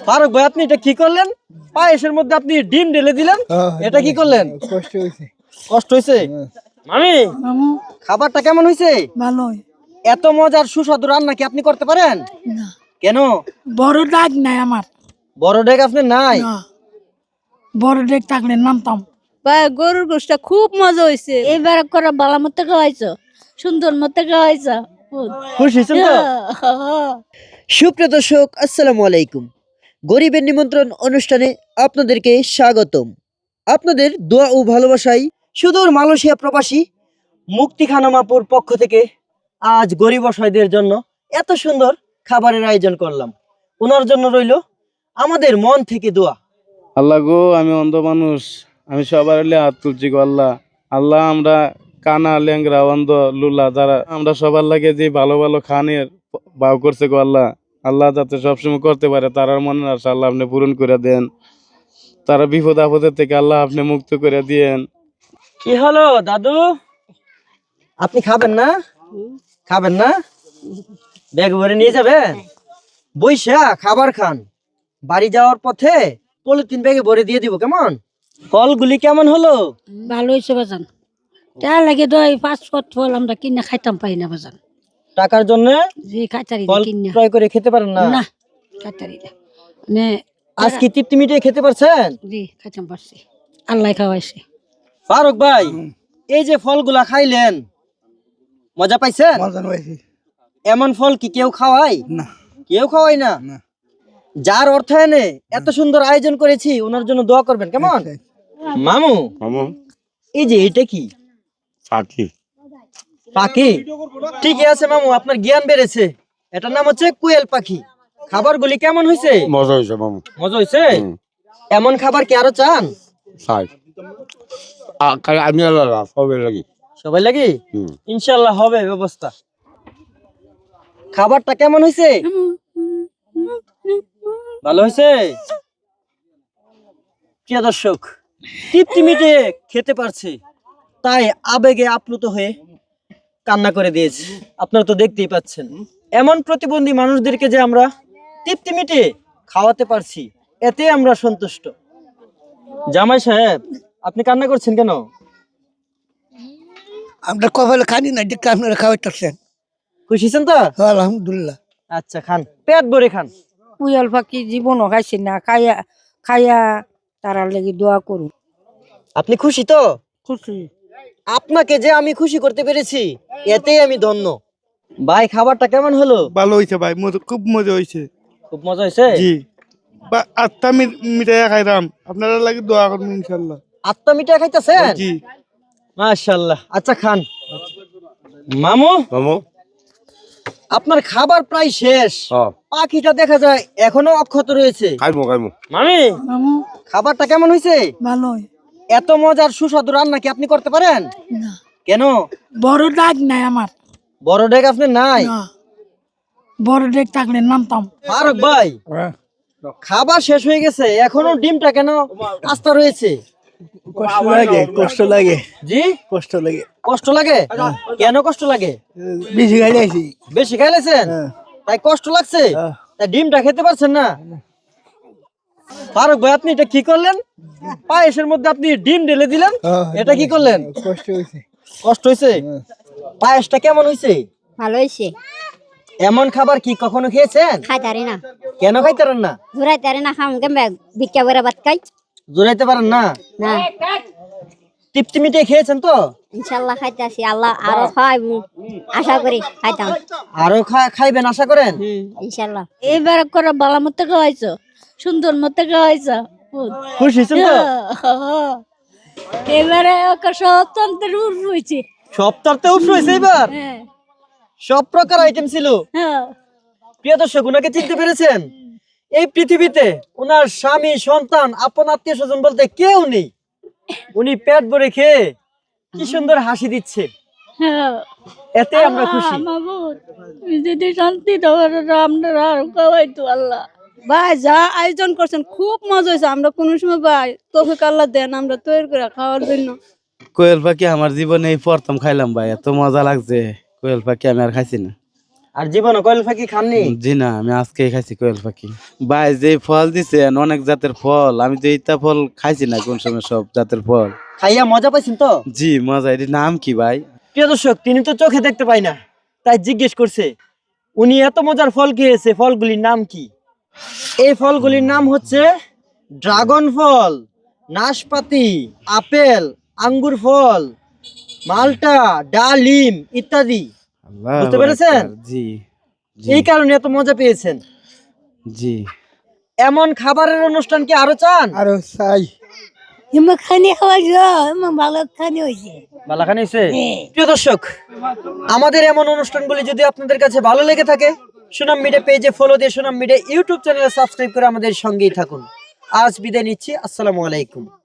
ফারুক ভাই, আপনি এটা কি করলেন? পায়েসের মধ্যে আপনি ডিম ঢেলে দিলেন, এটা কি করলেন? কষ্ট হয়েছে। কষ্ট হয়েছে? মামি, মামু খাবারটা কেমন হয়েছে? ভালোই এত মজার সুস্বাদু রান্না কি আপনি করতে পারেন? না, কেন? বড় ডাক নাই আমার। বড় ডেক আপনি নাই? না, বড় ডেক থাকলে নামতাম। গরুর গোশটা খুব মজা হয়েছে। এবার করে বালা মতো খাওয়াইছো, সুন্দর মতো খাওয়াইছো। খুশি হয়েছেন তো? সুপ্রিয় দর্শক, আসসালামু আলাইকুম। গরিবের নিমন্ত্রণ অনুষ্ঠানে আপনাদেরকে স্বাগতম। আপনাদের দোয়া ও ভালোবাসায় সুদূর মালয়েশিয়া প্রবাসী মুক্তি খানম আপুর পক্ষ থেকে আজ গরিব অসহায়দের জন্য এত সুন্দর খাবারের আয়োজন করলাম। ওনার জন্য রইল আমাদের মন থেকে দোয়া। আল্লাহ গো, আমি অন্ধ মানুষ, আমি সবার হাত তুলছি গো আল্লাহ। আল্লাহ, আমরা কানা, ল্যাংরা, অন্ধ, লুলা যারা আমরা সবার লাগে যে ভালো ভালো খানের ভাও করছে গো আল্লাহ। আল্লাহ যাতে সবসময় করতে পারে তারার মনের আশা আল্লাহ আপনি পূরণ করে দেন। তারা বিপদ আপদের থেকে আল্লাহ আপনি মুক্ত করে দিয়েন। কি হলো দাদু, আপনি খাবেন না? খাবেন না? ব্যাগ ভরে নিয়ে যাবেন? বইসা খাবার খান, বাড়ি যাওয়ার পথে পলিথিন ব্যাগে ভরে দিয়ে দিব, কেমন? ফলগুলি কেমন হলো? ভালো হয়েছে বাজান। তা লাগে দই 5 ফল আমরা কিনে খাইতাম পাই না বাজান। টাকার জন্য যে খাইতারি ফল কিনে ক্রয় করে খেতে পারেন না? না, খাইতারি না। মানে আজ কি তৃপ্তি মিটিয়ে খেতে পারছেন? জি খাইতাম পারছি, আল্লাহ খাওয়াইছে। ফারুক ভাই, এই যে ফলগুলা খাইলেন, মজা পাইছেন? মজা হয়েছে। এমন ফল কি কেউ খাওয়ায়? না, কেউ খাওয়ায় না। না। যার অর্থায়নে এত সুন্দর আয়োজন করেছি, ওনার জন্য দোয়া করবেন, কেমন? মামু, এই যে এটা কি? পাখি? ঠিকই আছে মামু, আপনার জ্ঞান বেড়েছে। এটার নাম হচ্ছে কোয়েল পাখি। খাবারগুলি কেমন হয়েছে? মজা হয়েছে মামু। মজা হয়েছে? এমন খাবার কি আরো চান? চাই আমি সবাই লাগি। সবাই লাগি? ইনশাল্লাহ হবে ব্যবস্থা। খাবারটা কেমন হয়েছে? ভালো হয়েছে? প্রিয় দর্শক, তৃপ্তি মিটিয়ে খেতে পারছে, তাই আবেগে আপ্লুত হয়ে কান্না করে দিয়েছে। আপনারা তো দেখতেই পাচ্ছেন, এমন প্রতিবন্ধী মানুষদেরকে যে আমরা তৃপ্তি মিটিয়ে খাওয়াতে পারছি, এতে আমরা সন্তুষ্ট। জামাই সাহেব, আপনি কান্না করছেন কেন? আমরা কপালে খানি না, দেখতে আপনারা খাওয়াইতেছেন। খুশি হয়েছেন তো? আলহামদুলিল্লাহ। আচ্ছা, খান, পেট ভরে খান। কুয়াল পাখি জীবনও খাইছি না, খাইয়া খাইয়া তারা লাগি দোয়া করুন। আপনি খুশি তো? খুশি। আপনাকে যে আমি খুশি করতে পেরেছি, এতেই আমি ধন্য। ভাই, খাবারটা কেমন হলো? ভালো হয়েছে ভাই, খুব মজা হয়েছে। খুব মজা হয়েছে? জি, আটটা মিঠাই খাইলাম, আপনারা লাগে দোয়া করবেন ইনশাল্লাহ। আত্মা মিঠাই খাইতেছেন? জি মাশাআল্লাহ। আচ্ছা, খান। মামু, মামু আপনার খাবার প্রায় শেষ। পাখিটা দেখা যায় এখনো অক্ষত রয়েছে। খাইমু খাইমু। মামি, মামু খাবারটা কেমন হয়েছে? ভালোই। এত মজার সুস্বাদু রান্না কি আপনি করতে পারেন? না, কেন? বড় ডাক নাই আমার। বড় ডেক আপনি নাই? না, বড় ডেক থাকলে নামতাম। ফারুক ভাই, খাবার শেষ হয়ে গেছে, এখনো ডিমটা কেন আস্তা রয়েছে? কষ্ট লাগে, কষ্ট লাগে, জি, কষ্ট লাগে। কষ্ট লাগে? কেন কষ্ট লাগে? বেশি গাড়ি আইছি। বেশি খাইলেছেন তাই কষ্ট লাগছে? তাই ডিমটা খেতে পারছেন না? ফারুক ভাই, আপনি এটা কি করলেন? পায়েসের মধ্যে আপনি ডিম ঢেলে দিলেন, এটা কি করলেন? কষ্ট হয়েছে। কষ্ট হয়েছে? পায়েসটা কেমন হয়েছে? ভালো হয়েছে। এমন খাবার কি কখনো খেয়েছেন? খাইতারি না, কেন খাইতারেন না? ঘুরাইতারি না, খাম কেমন ভিক্ষা করে ভাত খাই জোরাইতে পারেন না? না। তৃপ্তি মিটিয়ে খেয়েছেন তো? ইনশাল্লাহ খাইতাছি, আল্লাহ আরো খাওয়াইব আশা করি, খাইতাম আরো খাইবেন আশা করেন? ইনশাল্লাহ। এবার করে বালা মতো খাওয়াইছো, সুন্দর মতো খাওয়াইছো। খুশি হয়েছেন তো? এবারে স্বতন্ত্র উর্ফ হয়েছে। সপ্তাহতে উৎস হয়েছে এবার? সব প্রকার আইটেম ছিল। প্রিয় দর্শক, উনাকে চিনতে পেরেছেন? এই পৃথিবীতে ওনার স্বামী, সন্তান, আপন আত্মীয় স্বজন বলতে কেউ নেই। উনি পেট ভরে খেয়ে কি সুন্দর হাসি দিচ্ছে, এতে আমরা খুশি। যদি শান্তি দেওয়ার আপনারা আরো খাওয়াইতো আল্লাহ। ভাই যা আয়োজন করছেন খুব মজা হয়েছে। আমরা কোনো সময় ভাই তৌফিক আল্লাহ দেন আমরা তৈরি করে খাওয়ার জন্য। কোয়েল পাখি আমার জীবনে এই প্রথম খাইলাম ভাই, এত মজা লাগছে। কোয়েল পাখি আমি আর খাইছি না। আর জীবনে কোয়েল পাখি খাননি? জি না, আমি আজকে খাইছি কোয়েল পাখি। ভাই যে ফল দিছেন অনেক জাতের ফল, আমি তো এইটা ফল খাইছি না কোন সময় সব জাতের ফল। খাইয়া মজা পাইছেন তো? জি মজা। এটির নাম কি ভাই? প্রিয় দর্শক, তিনি তো চোখে দেখতে পায় না, তাই জিজ্ঞেস করছে উনি এত মজার ফল খেয়েছে, ফলগুলির নাম কি? এই ফলগুলির নাম হচ্ছে ড্রাগন ফল, নাশপাতি, আপেল, আঙ্গুর ফল, মালটা, ডালিম ইত্যাদি। আল্লাহু বুঝতে পেরেছেন? আকবার। জি জি এই কারণে এত মজা পেয়েছেন। জি। এমন খাবারের অনুষ্ঠান কি আরো চান? আরো চাই। এমন খানি খাওয়াইছো, এমন ভালো খানি হয়েছে। বালাখানি হইছে? প্রিয় দর্শক, আমাদের এমন অনুষ্ঠানগুলি যদি আপনাদের কাছে ভালো লেগে থাকে, সুনাম মিডিয়া পেজে ফলো দিয়ে সুনাম মিডিয়া ইউটিউব চ্যানেলে সাবস্ক্রাইব করে আমাদের সঙ্গেই থাকুন। আজ বিদায় নিচ্ছি, আসসালামু আলাইকুম।